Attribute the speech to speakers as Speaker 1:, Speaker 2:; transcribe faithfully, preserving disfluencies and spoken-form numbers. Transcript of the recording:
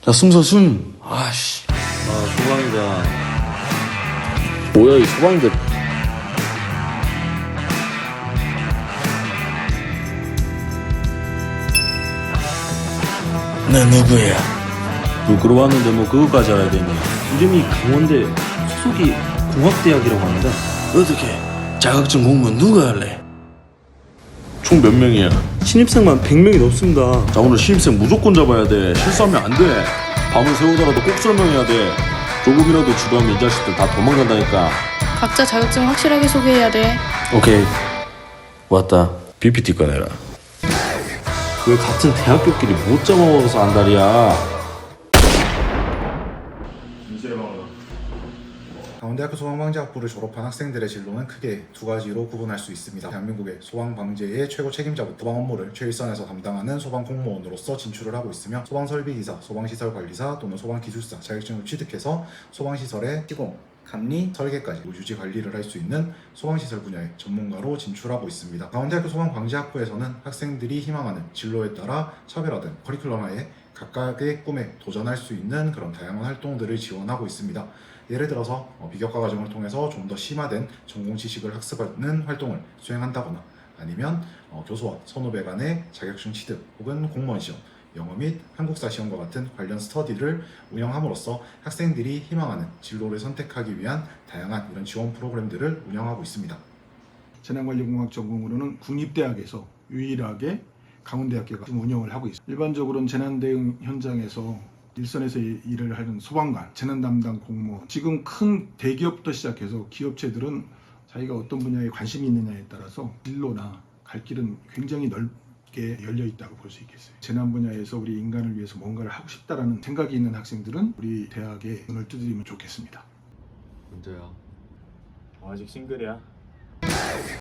Speaker 1: 자, 숨서 숨. 아씨.
Speaker 2: 아, 소방이다.
Speaker 1: 뭐야, 이 소방들. 너 누구야?
Speaker 2: 부끄러 왔는데 뭐 그거까지 알아야 되니? 이름이 강원대, 소속이 공학대학이라고 합니다.
Speaker 1: 어떻게? 자격증 공부는 누가 할래? 총 몇 명이야?
Speaker 2: 신입생만 백 명이 넘습니다.
Speaker 1: 자, 오늘 신입생 무조건 잡아야 돼. 실수하면 안 돼. 밤을 새우더라도 꼭 설명해야 돼. 조금이라도 주도하면 이 자식들 다 도망간다니까.
Speaker 3: 각자 자격증 확실하게 소개해야 돼.
Speaker 1: 오케이. 왔다. 피피티 꺼내라.
Speaker 2: 왜 같은 대학교끼리 못 잡아먹어서 안달이야?
Speaker 4: 강원대학교 소방방재학부를 졸업한 학생들의 진로는 크게 두 가지로 구분할 수 있습니다. 대한민국의 소방방재의 최고 책임자부터 소방 업무를 최일선에서 담당하는 소방공무원으로서 진출을 하고 있으며 소방설비기사, 소방시설관리사 또는 소방기술사 자격증을 취득해서 소방시설의 시공, 감리, 설계까지 유지 관리를 할 수 있는 소방시설 분야의 전문가로 진출하고 있습니다. 강원대학교 소방방재학부에서는 학생들이 희망하는 진로에 따라 차별화된 커리큘럼하에 각각의 꿈에 도전할 수 있는 그런 다양한 활동들을 지원하고 있습니다. 예를 들어서 비교과 과정을 통해서 좀 더 심화된 전공 지식을 학습하는 활동을 수행한다거나 아니면 교수와 선후배 간의 자격증 취득 혹은 공무원 시험, 영어 및 한국사 시험과 같은 관련 스터디를 운영함으로써 학생들이 희망하는 진로를 선택하기 위한 다양한 이런 지원 프로그램들을 운영하고 있습니다.
Speaker 5: 재난관리공학 전공으로는 국립대학에서 유일하게 강원대학교가 운영을 하고 있습니다. 일반적으로는 재난대응 현장에서 일선에서 일을 하는 소방관, 재난 담당 공무원, 지금 큰 대기업부터 시작해서 기업체들은 자기가 어떤 분야에 관심이 있느냐에 따라서 진로나 갈 길은 굉장히 넓게 열려 있다고 볼 수 있겠어요. 재난 분야에서 우리 인간을 위해서 뭔가를 하고 싶다라는 생각이 있는 학생들은 우리 대학에 눈을 두드리면 좋겠습니다.
Speaker 2: 언제야?
Speaker 6: 아직 싱글이야.